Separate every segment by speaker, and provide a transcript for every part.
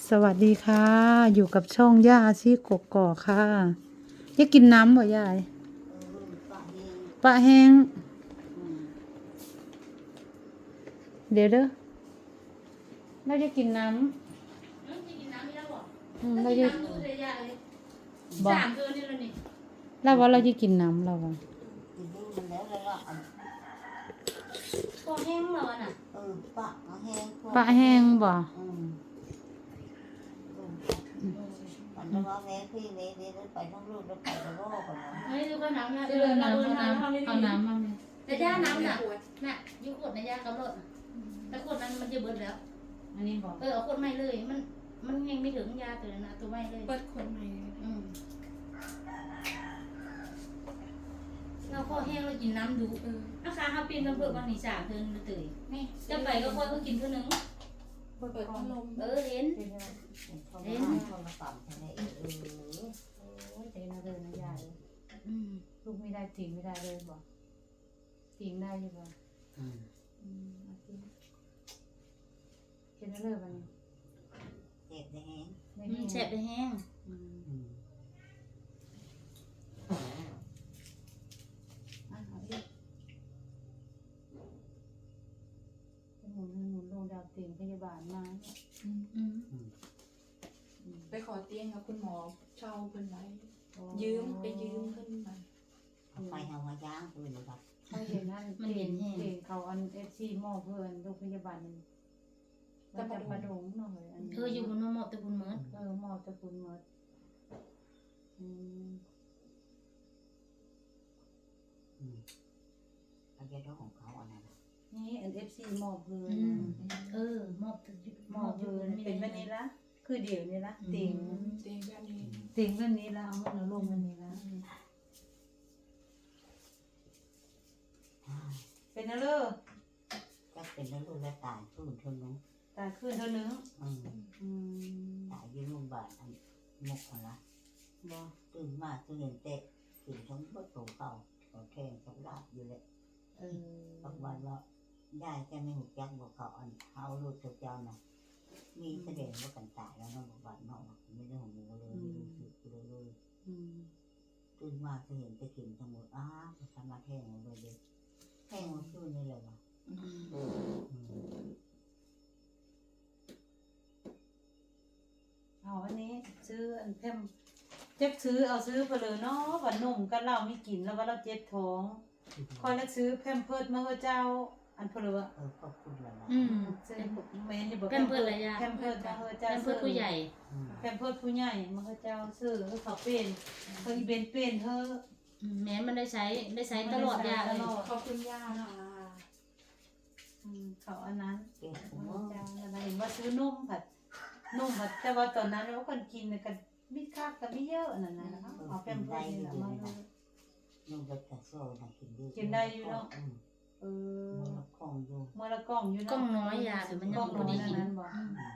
Speaker 1: สวัสดีค่ะ อยู่กับช่องย่าอาชีกกอกค่ะยายกินน้ำบ่ยายปลาแห้งเดี๋ยวเด้อเราจะกินน้ำเราจะบอกเราว่าเราจะกินน้ำเราว่า
Speaker 2: ปลาแห้งเราน่ะ
Speaker 1: ปลาแห้งบ่
Speaker 2: มันว่าแม่พี่แม่ไปทั้งลูกแล้วไปทั้งโลกกันนะ
Speaker 3: เฮ้ยดูก็น้ำนะ
Speaker 1: เอาน้ำมาเลย
Speaker 3: แต่ย่าน้ำน่ะน่ะยูขวดในย่ากำลังแต่ขวดนั้นมันจะเบิดแล้ว
Speaker 1: อันนี้บอก
Speaker 3: เอาขวดใหม่เลยมันยังไม่ถึงยาตัวนั้นนะตัวใหม่เลย
Speaker 4: เปิดคนใหม่
Speaker 3: เราพอแห้งเรากินน้ำดูอาคาเขาปีนกระเพื่อมบางนี่3 เดือนมาเตยนี่จะไปก็ค่อยเขากินเท่านึง
Speaker 4: เปิดพัดลม
Speaker 3: เห็น
Speaker 2: เขามาเขามาปั่นแค่ไหน
Speaker 1: โอ้ยเจ๊น่าเดินนะยายลูกไม่ได้ทิ้งไม่ได้เลยบอกทิ้งได้อยู่บ่เอาทิ้งกินได้เลยวันนี้
Speaker 2: เจ็บแดง
Speaker 1: ไม่มี
Speaker 3: แสบไปแห้ง
Speaker 1: เอาอีกหมุนลงดาวเตียงพยาบาลมาเนี่ย
Speaker 4: ไปขอเตียงกับคุณหมอเช่าเพิ่นไว้ยืมเพิ่นมา
Speaker 2: เอาไปเอามาย่างปืนครับ
Speaker 1: เขาเห็นนั่นเตียงเขาอันFCหม้อเพื่อนโรงพยาบาลนึงจะประดงหน่อยอัน
Speaker 3: อยู่บนหมอตะบุญเมิด
Speaker 1: หม้อจะคุณหมด
Speaker 2: เอาแค่ท้องของเขาอันนั้น
Speaker 1: นี่อัน FC หม้อเพื่อน
Speaker 3: หมอบ
Speaker 1: หม้อเพื่อนเป็นแบบนี้ละคือเดี๋ยวนี้ละเตียง
Speaker 4: เตียงแบบนี้
Speaker 1: เตียงแบบนี้ละเอาเงินเอาลงแบบนี้ละเป็นอะไร
Speaker 2: ก็เป็นแล้วลูกแล้วตายฟื้นเท่านั้น
Speaker 1: ตายขึ้นเท่านึง
Speaker 2: ตายยืนโรงพยาบาลอันมุกอะไร
Speaker 1: บ่
Speaker 2: ตื่นมาตื่นเตะตื่นทั้งประตูเก่าเขาแข่งกับลาดอยู่เลยบางวันว่าได้แค่ไม่หุบยักบอกเขาอันเขาลูกเจ้าน่ะมีแสดงว่ากันตายแล้วนะบอกวันนอกไม่ได้ของมึงเลยตื่นมาจะเห็นไปกินทั้งหมดทำมาแท่งเลยแท่งมันขึ้นนี่เลยวะ
Speaker 1: เอาอันนี้ซื้ออันเพิ่มเจ็บซื้อเอาซื้อไปเลยเนาะว่านุ่มกันเราไม่กินแล้วว่าเราเจ็บท้องคอยแล้วซื้อแพมเพิร์ดมาให้เจ้าอันเพลวะ
Speaker 2: ขอบคุณละนะ
Speaker 1: ซื้อแม่นอยู่บ่
Speaker 3: แพมเพิร์ดอะไรยา
Speaker 1: แพมเพิร์ดมาให้เจ้า
Speaker 3: แพมเพิร์ดผู้ใหญ่
Speaker 1: แพมเพิร์ดผู้ใหญ่มาให้เจ้าซื้อเขาเป็นเขาอีเป็นเธอ
Speaker 3: แม้มันได้ใช้ตลอดยาเลย
Speaker 4: ขอบคุณย่าค่ะ
Speaker 1: เขาอันนั้น
Speaker 2: เก่ง
Speaker 1: เจ้าอะไรเห็นว่าซื้อนุ่มผัดแต่ว่าตอนนั้นเราคนกินกันมิคักกันไม่เยอะนั่นนะเอาแพมเพิร์ดนี่แหละมาเลย
Speaker 2: นุ่งกระโซ่นะกินมันของอยู่
Speaker 1: เมื่อละกล่องอยู่นะ
Speaker 3: กล้องน้อยยาแต่มัน
Speaker 1: ก
Speaker 3: ยั
Speaker 1: ล่อง ง
Speaker 3: บ่
Speaker 1: น้อย
Speaker 3: ได้กิน
Speaker 1: นั้นบอก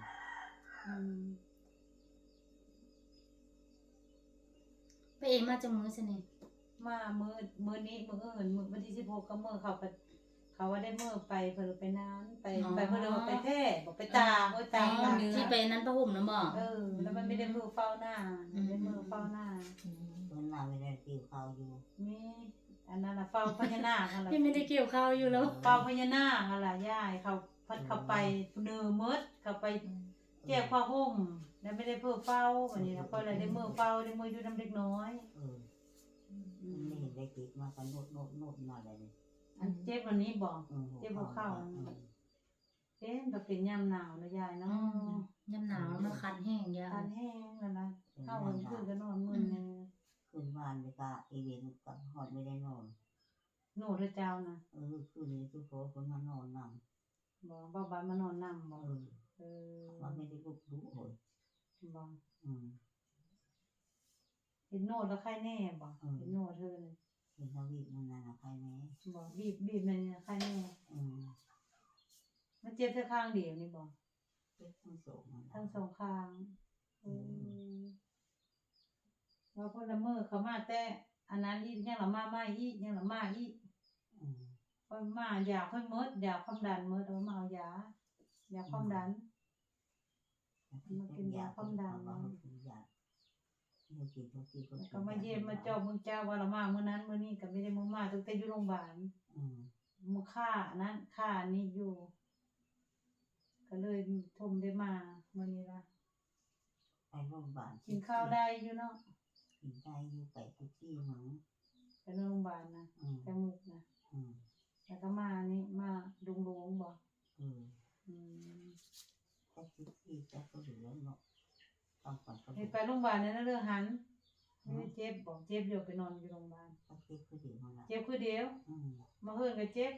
Speaker 3: ไปเองมาจากมือสนิท
Speaker 1: มามือนี้มืออื่นมือวันที่16ก็มือเขาว่าได้มือไปเพิ่นไปนานไปเพิ่นว่าไปแพร่บอกไปตาตา
Speaker 3: ที่ไปนั้นประห่มนะบอก
Speaker 1: แล้วมันไม่ได้มือเฝ้าหน้าได้มือเฝ้าหน้า
Speaker 2: มันมาไม่ได้ติวเขาอยู่
Speaker 1: มีอันนั้นน่ะเฝ้าพญานาคอะไร
Speaker 3: พี่ไม่ได้เกี่ยวข้าวอยู่แล้ว
Speaker 1: เฝ้าพญานาคอะไรย่ายเขาพัดเข้าไปเนื้อมืดเข้าไปแก้ผ้าห่มแล้วไม่ได้เพื่อเฝ้าวันนี้แล้วก็เลยได้มือเฝ้าได้มืออยู่น้ำเล็กน้อย
Speaker 2: ไม่เห็นได้ติดมากันโนดมาเลย
Speaker 1: อันเจ็บวันนี้บอกเจ็บหัวเข่าเอ๊ะมันเป็นยามหนาวนะยายเนาะ
Speaker 3: ยำหนาวมันคันแห้งยา
Speaker 1: ทานแห้งแล้วนะเข้าวันคืนก็นอนมึนเลย
Speaker 2: คืนวานเลยก็อีเวนต์กับหอดไม่ได้นอน
Speaker 1: หนูเจ้านะ
Speaker 2: คืนนี้ทุกคนมานอนนำ
Speaker 1: บอกบ้านมานอนนำบอก
Speaker 2: ว่าไม่ได้ลุกรู้โหย
Speaker 1: บอกเห็นโนดแล้วใครแน่บอกเห็นโนดเธอเลย
Speaker 2: เห็นนาวีมันนานใครไหม
Speaker 1: บอกบีบเลยใครแน่มันเจ็บแค่ข้างเดียวนี่บอก
Speaker 2: ทั้งสอง
Speaker 1: ทั้งสองข้างว่าพอละเมอเขามาแต่อันนั้นอีกยังละมาไม่อีกยังละมาอีกพอมาอยากค่อยมดอยากความดันมดเอามาเอายาอยากความดันมากินยาความดัน
Speaker 2: มากินยาเนี่ยกินทุกทีก็
Speaker 1: แล้วก็มาเยี่ยมมาเจาะมึงเจ้าว่าละมามื้อนั้นมื้อนี้ก็ไม่ได้มึงมาตั้งแต่อยู่โรงพยาบาลมื้อค่านั้นค่านี้อยู่ ก็เลยทมได้มามื้อนี้ล่ะ
Speaker 2: ไปโรงพยาบาล
Speaker 1: กินข้าวได้อยู่เนาะ
Speaker 2: กินได้อยู่ไปทุกที่มั้ง
Speaker 1: ไปโรงพยาบาลนะแต่มุกนะแล้วก็มานี่มาดุงบ่
Speaker 2: แต่ทุกที่แต่ก็เหลือเนาะต้องก่อนก็
Speaker 1: ไปโรงพยาบาลนั่นเรื่องหันไม่ได้เจ็บบอกเจ็บอยู่ไปนอนอยู่โรงพยาบาล
Speaker 2: ก็เจ็บคือเดียวมาละ
Speaker 1: เจ็บคือเดียวมาเฮิ่นก็เจ็บ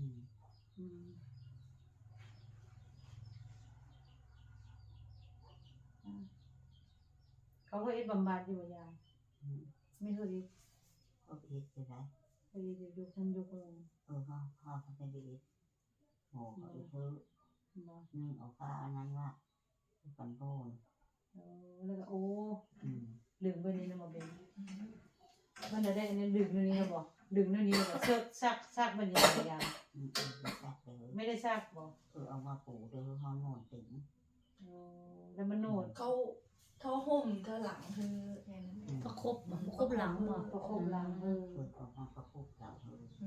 Speaker 1: เขาก็บำบัดอยู่ยายไม่เคย
Speaker 2: ก็เอ็ดจะได้
Speaker 1: เคยอยู่คนอยู่คน
Speaker 2: เขาไม่ได้เอ็ดหมอเขาเพิ่มเอาผ้าอันนั้นว่ากันโดน
Speaker 1: แล้วก็โอ้ดึงไปนี่นะมาเป็นมันได้อันนี้ดึงนี่นะบอกดึงนี่นะบอกซักมันยังไงไม่ได้ซักบอก
Speaker 2: เอามาปูเดี๋ยวเขาโน่นถึง
Speaker 1: แล้วมันโนด
Speaker 4: เขาห่มเธอหลังเธออย่างนั้น
Speaker 3: ประคบหลังบ่
Speaker 1: ประคบหลัง
Speaker 2: ออกมาประคบหลัง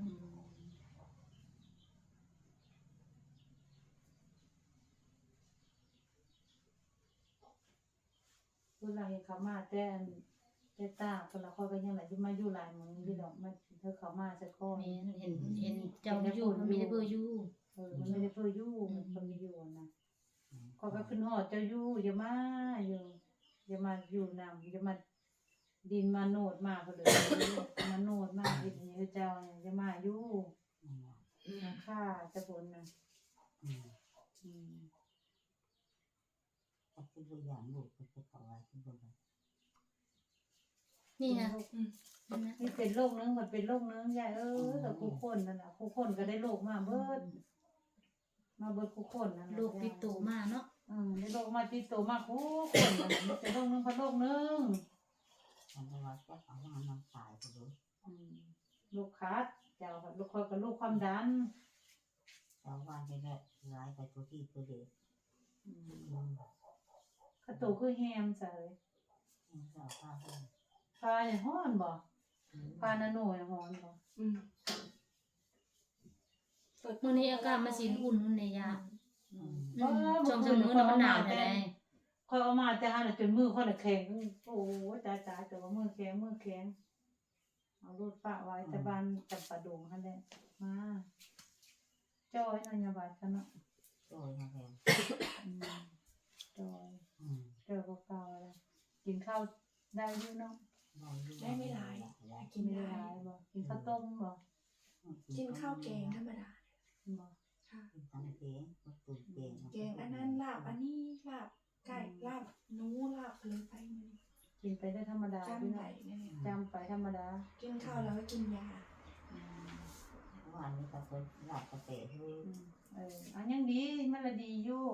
Speaker 1: เวลาเห็นเขามาแต่ตาคนละคนก็ยังไหลที่มาอยู่หลายมึงที่ดอกมาเธอเขามาสักข้อ
Speaker 3: แม่เห็นเจ้าอยู่มันมีแต่เบอร์อยู่
Speaker 1: มันไม่ได้เพื่อยู่มันไม่อยู่นะก็ขึ้นหอดเจ้าอยู่อย่ามาอยู่อย่ามาอยู่นำอย่ามาดินมาโนดมาก็เลยมาโนดมาดินนี้เจ้าเนี่ยอย่ามาอยู่ค่าจะผลนะ
Speaker 2: แต่คืออย่างลูกก็จะต่ออะไรที่บ้าน
Speaker 3: นี่นะ
Speaker 1: นี่เป็นโรคนึงมันเป็นโรคนึงใหญ่แต่คู่คนนั่นน่ะคู่คนก็ได้โรคมาเบิดคู่คนนั่น
Speaker 3: ลูกติดตัวมาเนาะ
Speaker 1: ได้โรคมาติดตัวมาคู่คนนั่นมันเป็นโรคนึงพันโรคนึง
Speaker 2: อันนี้ว่าจะเอามาน้ำตายไปเลย
Speaker 1: ลูกคัดเจ้าค่ะลูกคอยกับลูกความดัน
Speaker 2: แต่ว่าจะได้ร้ายไปทุกที่ตัวเด็ก
Speaker 1: กระตูคือแฮมใส่
Speaker 2: เราผ้าให้
Speaker 1: ปลาเนี่ยฮ้อนบ่ปลาหน้าหน่วยฮ้อนบ่
Speaker 3: มื้อนี้อากาศมาสิอุ่นในยา
Speaker 1: ช่
Speaker 3: ช่วงมื้อน่ะมันหนาวแท้
Speaker 1: คอยเอามาแต่หาจนมือค่อยแข็งโอ้ตายแต่ว่ามือแข็งเอารูดฝาไว้แต่บ้านจำปาดงหั่นแหละมาจ้อยนายบาดกันเนาะ
Speaker 2: โดยนะแม่
Speaker 1: จ้อยเก่าแล้วกินข้าวได้อยู่เนาะ
Speaker 4: ได้ไม่หลาย
Speaker 1: กินไม่ได้บ่กินข้าวต้มบ่
Speaker 4: กินข้าวแกงธรรมดา
Speaker 1: บ่
Speaker 4: ค่ะ
Speaker 2: ทำเองก็ตุ่มเอง
Speaker 4: แกงอันนั้นลาบอันนี้ลาบไก่ลาบหนูลาบเลยไปมัน
Speaker 1: กินไปได้ธรรมดา
Speaker 4: จำไปเนี่ย
Speaker 1: จำไปธรรมดา
Speaker 4: กินข้าวแล้วก็กินยา
Speaker 2: วันนี้ก็เป็นหลับกระเตะที่
Speaker 1: อันยังดีมันละดีอยู่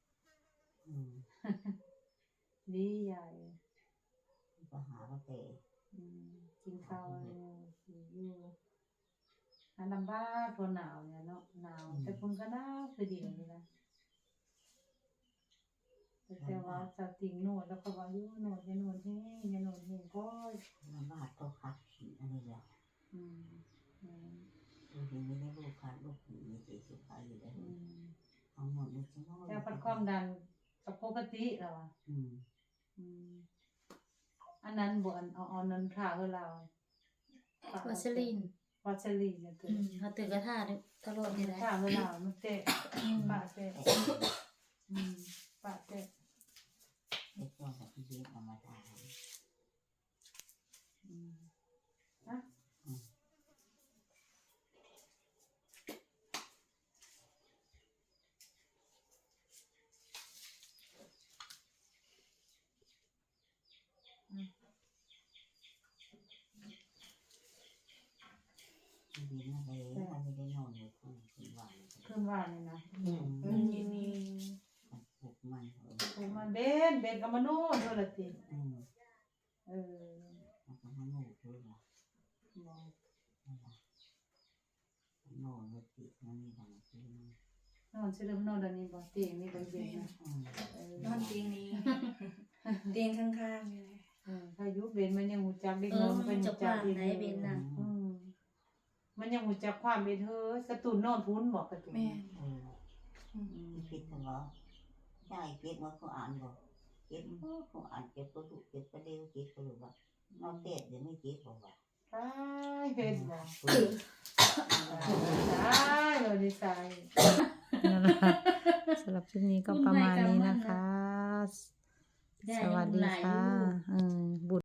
Speaker 1: ดีใหญ่
Speaker 2: ก็หากระเตะ
Speaker 1: กินข้าวอยู่อันลำบากตัวหนาวเนี่ยเนาะหนาวแต่คนก็หนาวคือดีเลยนะแต่ว่าจะติงโนดแล้วก็ว่าอยู่โนดอย่าโนดแห้งอย่าโนดแห้งก็
Speaker 2: ลำบากตัวคัดขีอันนี้แหละดูดีไม่ได้ลูกคัดลูกผีมีเสียสุขายอยู่แล้วเอาหมดเลยใช่ไหม
Speaker 1: แต่พัดความดันกับปกติแล้วอ่ะอันนั้นบ่เอานั้นท่าให้เรา
Speaker 3: วัสลีน
Speaker 1: เนี่ยตัว
Speaker 3: เขาตื่นกระทาตลอดนี่แหละ
Speaker 1: ท่าให้เรามันเตะปะเตะ
Speaker 2: เด็กตัวแบบที่เด็กเอามาทาน ดีนะเลยถ้าไม่ได้นอนเลยคืนวัน
Speaker 1: ขึ้นว่านี่นะ
Speaker 4: มันเย็นนี้
Speaker 2: ปลุกมัน
Speaker 1: โอ้มันเบนกับมโนโดนละติ
Speaker 2: มันก็ให้หนูด้วยล่ะโน่นติมันมีบางที
Speaker 1: นอนสิเริ่มนอนเดี๋ยวนี้บ่ติมีบ่เย็นนะ
Speaker 4: นอนเตียงนี้
Speaker 3: น
Speaker 4: เตียงข้างๆนี่แหละ
Speaker 1: ถ้ายุเบนมันยังหูจักเด็ก
Speaker 3: เอ
Speaker 1: น้
Speaker 3: อ
Speaker 1: อย
Speaker 3: มัน
Speaker 1: เป็น
Speaker 3: จะ
Speaker 1: หู
Speaker 3: ก
Speaker 1: จั
Speaker 3: ว้าก ง
Speaker 1: อีก
Speaker 3: ไหนเป็นน่ะ
Speaker 1: มันยังหูจักความเป็นเธอกระตุ้นนอนพุ้นบอกกระตุ้น
Speaker 4: แม่น
Speaker 2: คิดถึงว่าใช่เก็บมาเขาอ่านบอกเก็บเขาอ่านเก็บตัวถูกเก็บประเดี๋ยวเก็บก็รู้ว่าเราเตะเดี๋ยวไม่เก็บบอกว่า
Speaker 1: ตายเห็นบ่ตายเราดีใจนั่นแหละสำหรับคลิปนี้ก็ประมาณนี้นะคะ สวัสดีค่ะบุญ